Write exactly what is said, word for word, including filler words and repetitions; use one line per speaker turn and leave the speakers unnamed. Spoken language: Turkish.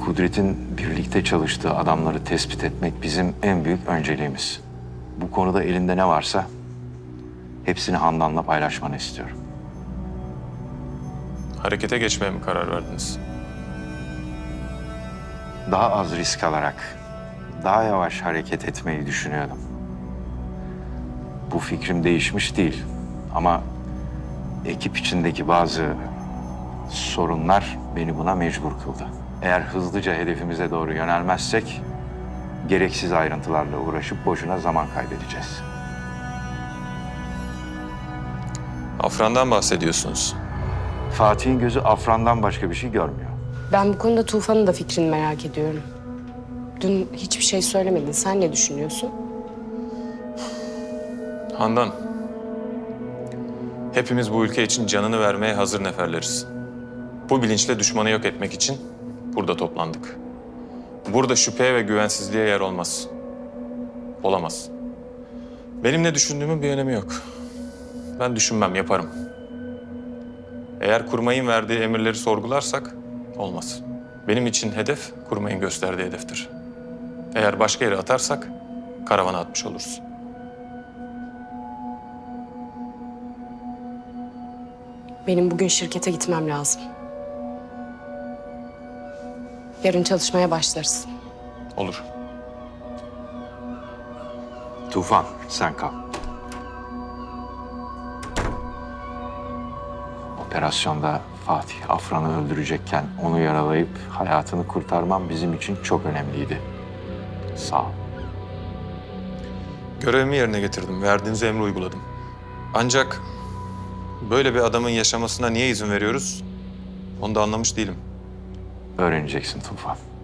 Kudret'in birlikte çalıştığı adamları tespit etmek bizim en büyük önceliğimiz. Bu konuda elinde ne varsa hepsini Handan'la paylaşmanı istiyorum.
Harekete geçmeye mi karar verdiniz?
Daha az risk alarak, daha yavaş hareket etmeyi düşünüyordum. Bu fikrim değişmiş değil ama ekip içindeki bazı sorunlar beni buna mecbur kıldı. Eğer hızlıca hedefimize doğru yönelmezsek gereksiz ayrıntılarla uğraşıp boşuna zaman kaybedeceğiz.
Afran'dan bahsediyorsunuz.
Fatih'in gözü Afran'dan başka bir şey görmüyor.
Ben bu konuda Tufan'ın da fikrini merak ediyorum. Dün hiçbir şey söylemedin. Sen ne düşünüyorsun?
Handan, hepimiz bu ülke için canını vermeye hazır neferleriz. Bu bilinçle düşmanı yok etmek için burada toplandık. Burada şüpheye ve güvensizliğe yer olmaz. Olamaz. Benim ne düşündüğümün bir önemi yok. Ben düşünmem, yaparım. Eğer kurmayın verdiği emirleri sorgularsak olmaz. Benim için hedef kurmayın gösterdiği hedeftir. Eğer başka yere atarsak karavana atmış oluruz.
Benim bugün şirkete gitmem lazım. Yarın çalışmaya başlarız.
Olur.
Tufan, sen kal. Operasyonda Fatih Afran'ı öldürecekken onu yaralayıp hayatını kurtarmam bizim için çok önemliydi. Sağ ol.
Görevimi yerine getirdim. Verdiğiniz emri uyguladım. Ancak böyle bir adamın yaşamasına niye izin veriyoruz? Onu da anlamış değilim.
Öğreneceksin Tufan.